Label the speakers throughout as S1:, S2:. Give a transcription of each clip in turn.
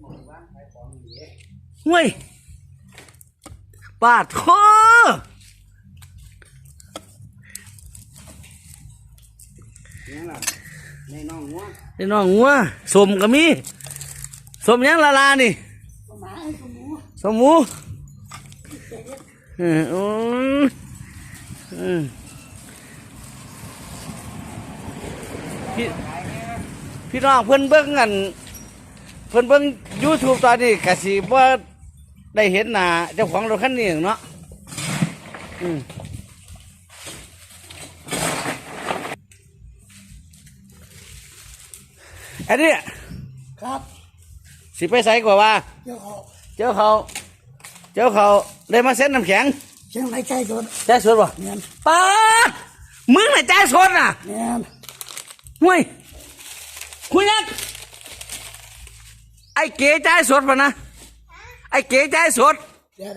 S1: เว้ยปาดคอ
S2: ในน้องงัว
S1: นี่น้องงัวสมก็มีสมยังละลานี่สมหมูพี่น้องเพิ่นเบิ่งกันเพิ่นเบิ่ง YouTube ตอนนี้ก็สิบ่ได้เห็นหน้าเจ้าของรถคันนี้เนาะอันนี้
S2: ครับ
S1: สิไปใส่กว่าว่าเจ้าเขาได้มาเซ็นน้ำแข็ง
S2: เชียงรายใจสด
S1: ใจสดป่ะ
S2: เนี่ย
S1: ป้ามึงน่ะใจสดน่ะ
S2: เนี่ย
S1: ห่วยคุยนักไอ้เก๋ใจสดป่ะนะไอ้เก๋ใจสด
S2: เดี๋ยว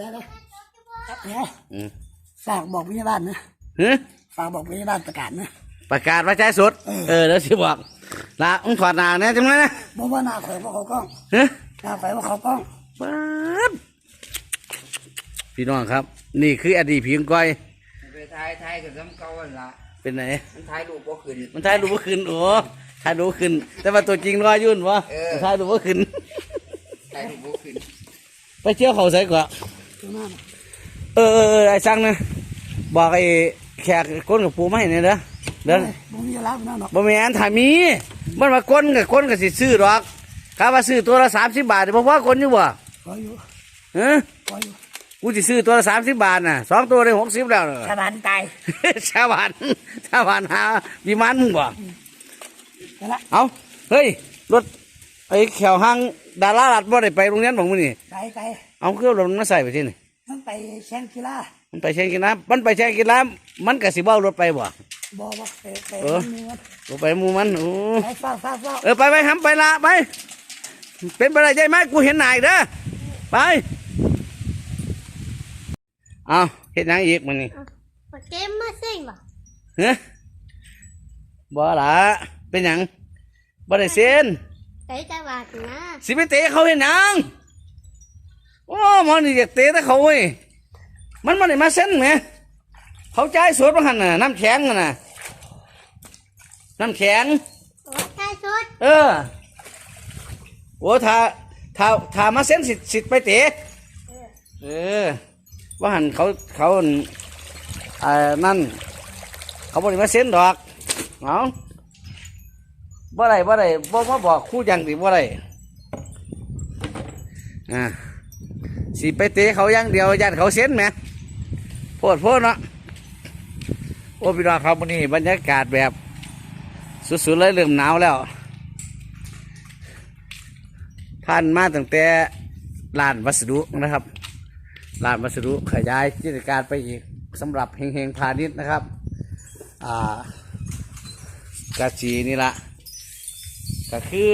S2: ฝากบอกพยาบาลนะฝากบอกพยาบาลประกาศนะ
S1: ประกาศว่าใจสดเดี๋ยวสิบอกละมึงถอดหน้าเนี่ยจังเลยนะ
S2: บอกว่าหน้าข่อยว่าเขากล้องหน้าข่อยว่าเขากล้อง
S1: ป๊าบพี่น้องครับนี่คืออดีตพิงก้อย
S3: ไปไทยกับน้ำเก่าละ
S1: เป็นไหน
S3: มันไทยรูปบ่ขึ้น
S1: มันไทยรูปบ่ขึ้นโอ้ไทยรูปขึ้นแต่ว่าตัวจริงรอยุ่นวะไทยรูปบ่ขึ้น
S3: ไทยรูปบ่ขึ้น
S1: ไปเที่ยวเขาใส่กว่าไอ้สั่งนะบอกไอ้แขกก้นกับปูไม่เนี่ยเด้อเดิน
S2: บ่มีอะไรนั่นหรอก
S1: บ่มีอันถ่ายมีมันมาก้นกับสิซื้อหรอกข้าว่าซื้อตัวละ30 บาทเพราะว่าก้นอยู่บ่
S2: พออยู่
S1: พออยู่กูจะซื้อตัวละ30 บาทน่ะ2 ตัวได้60แล้ว
S2: ชาวบ้านตาย
S1: ชาวบ้านหาวิมานมึงบ่เอาเฮ้ยรถไอ้แขวห้างดาราลัดบ่ได้ไปโรงเรียนบ่มื้อนี้
S2: ไป
S1: เอาเครื่องรถมันมาใส่ไปที่นี่
S2: มันไปแข่งกีฬา
S1: มันไปแข่งกีฬามันก็สิเบ้ารถไปบ่ไปหมู่มันโอ้ไปทำไปละไปเป็นไปได้ใจไหมกูเห็นหน้าอีกเด้อไปเอาเห็นยังอีกมันนี่
S4: เกมมาเซ็งบ่
S1: บ่ละเป็นยังบ่ได้เซ็น
S4: เตะจังหวะนะ
S1: สิไปเตะเขาเห็นยังโอ้มันนี่อยากเตะแต่เขาเว้ยมันได้มาเซ็นไหมเขาใจสดมาหันน่ะน้ำแข็งน่ะน้ำแข็ง
S4: ใจสด
S1: โอ้ถ้ามาเซ็นสิไปเตะว่าหันเขานั่นเขาบอกมาเซ็นดอกเอาบ่ได้บ่มาบอกคู่ยังดิบ่ได้สิไปเตะเขายังเดียวยันเขาเซ็นไหมโพดเนาะโอ้พี่น้องครับวันนี้บรรยากาศแบบสุดๆเลยเริ่มหนาวแล้วผ่านมาตั้งแต่ลานวัสดุนะครับลานวัสดุขยายกิจการไปอีกสำหรับเฮงพาณิชย์นะครับกระชีนี่ละก็คือ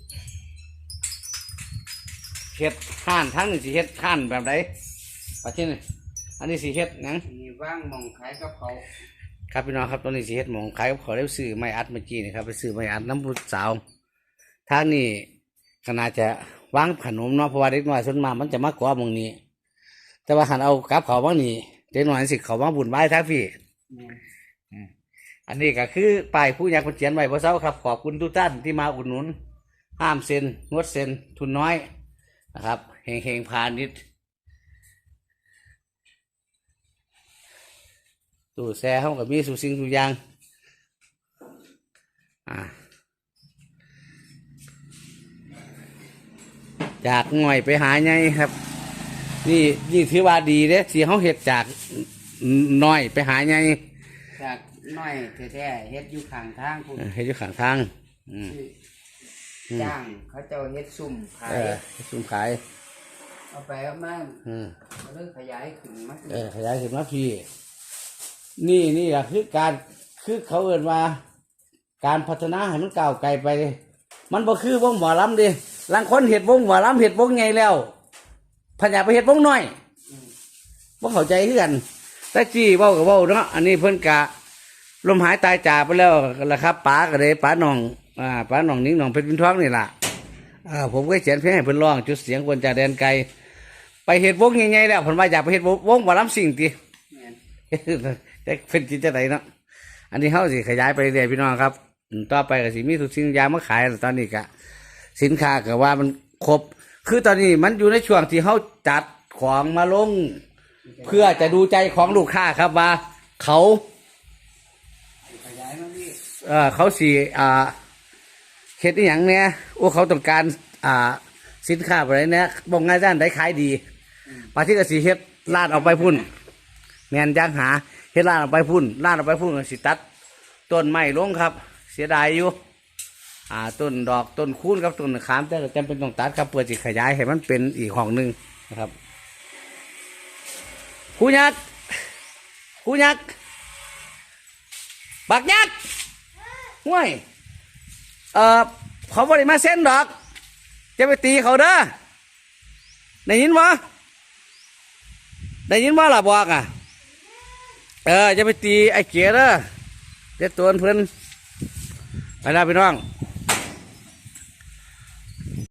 S1: เห็ดห่านทั้งนี้สิเห็ดห่านแบบไหนประเทศนี้อันนี้สิเห็ดนัง
S3: มีว่างมองขายกับเขา
S1: ครับพี่น้องครับตอนนี้สิเห็ดมองขายกับเขาได้ซื้อไม้อัดเมื่อกี้นี่ครับไปซื้อไม้อัดน้ำพุสาวทางนี้ก็น่าจะวางขนมเนาะเพราะว่าเด็กน้อยส่วนมากมันจะมากกว่ามองนี้แต่ว่าหันเอากับเขาบ้างนี่เด็กน้อยสิเขาบ้างบุญไหว้ทักพี่อันนี้ก็คือป้ายผู้ยากคนเขียนไว้เพราะเช้าครับขอบคุณทุกท่านที่มาอุดหนุนห้ามเซ็นงดเซ็นทุนน้อยนะครับเฮงพาณิชย์ตู้แช่ห้องกับมีสุสิ่งทุกอย่างจากง่อยไปหาไงครับนี่ถือว่าดีเด้สีเขาเห็ดจากน้อยไปหาไง
S3: จากน้อยแท้ๆเฮ็ดอยู่ข้างทางคุณ
S1: เฮ็ดอยู่ข้างทาง
S3: จ้างเขาเจ้าเฮ็ดซุ่มขาย
S1: ซุ่มขาย
S3: เอาไปเอามาเริ่มขยายขึ้นมา
S1: ขยายขึ้นมาพี่นี่แหละคือเขาเอ่ยว่าการพัฒนาให้มันก้าวไกลไปมันบ่คือวงหมอลำดิบางคนเห็ดวงหมอลำเห็ดวงไงแล้วพยายามไปเห็ดวงน้อยบ่เข้าใจคือกันแต่จี้เว้ากับเว้าเนาะอันนี้เพิ่นกะลมหายตายจากไปแล้วละครับป๋าก็เลยป๋าหนองนิ้งหนองเพชรวินทองนี่ล่ะผมก็เขียนเพลงให้เพิ่นร้องจุดเสียงคนจากแดนไกลไปเฮ็ดวงใหญ่ๆแล้วเพิ่นว่าอยากไปเฮ็ดวงหมอลำสิ่งติ
S3: แม่น
S1: แต่เพิ่นคิดจังไดเนาะอันนี้เฮาสิขยายไปเรื่อยๆพี่น้องครับต่อไปก็สิมีทุกสิ่งอย่างมาขายแล้วตอนนี้ก็สินค้าก็ว่ามันครบคือตอนนี้มันอยู่ในช่วงที่เฮาจัดของมาลง เพื่อจะดูใจของลูกค้าครับว่า เขา
S3: ขยายมาพี่
S1: เขาสิเฮ็ดอหย่างเนี่ยโอ้เขาต้องการสินค้าอะไรเนี่ยบอกง่ายด้านได้ขายดีปาที่กสิเฮ็ดลาดออกไปพุ่นแม่นจังหาเฮ็ดลาดออกไปพุ่นลาดออกไปพุ่นก็สิตัดต้นไม้ลงครับ เสียดายอยู่ต้นดอกต้นคูนกับต้นขามแต่ก็จำเป็นต้องตัดครับเพื่อสิขยายให้มันเป็นอีกห้องหนึงนะครับผู้ยักษ์ผู้ยักษ์บักยักษ์ห่วยเขาบริมาเส้นดอกจะไปตีเขาเด้อได้ยินบ่ได้ยินบ่ล่ะบอกจะไปตีไอ้เกียเด้อเด็ดตัวเพิ่นไปแล้วพี่น้อง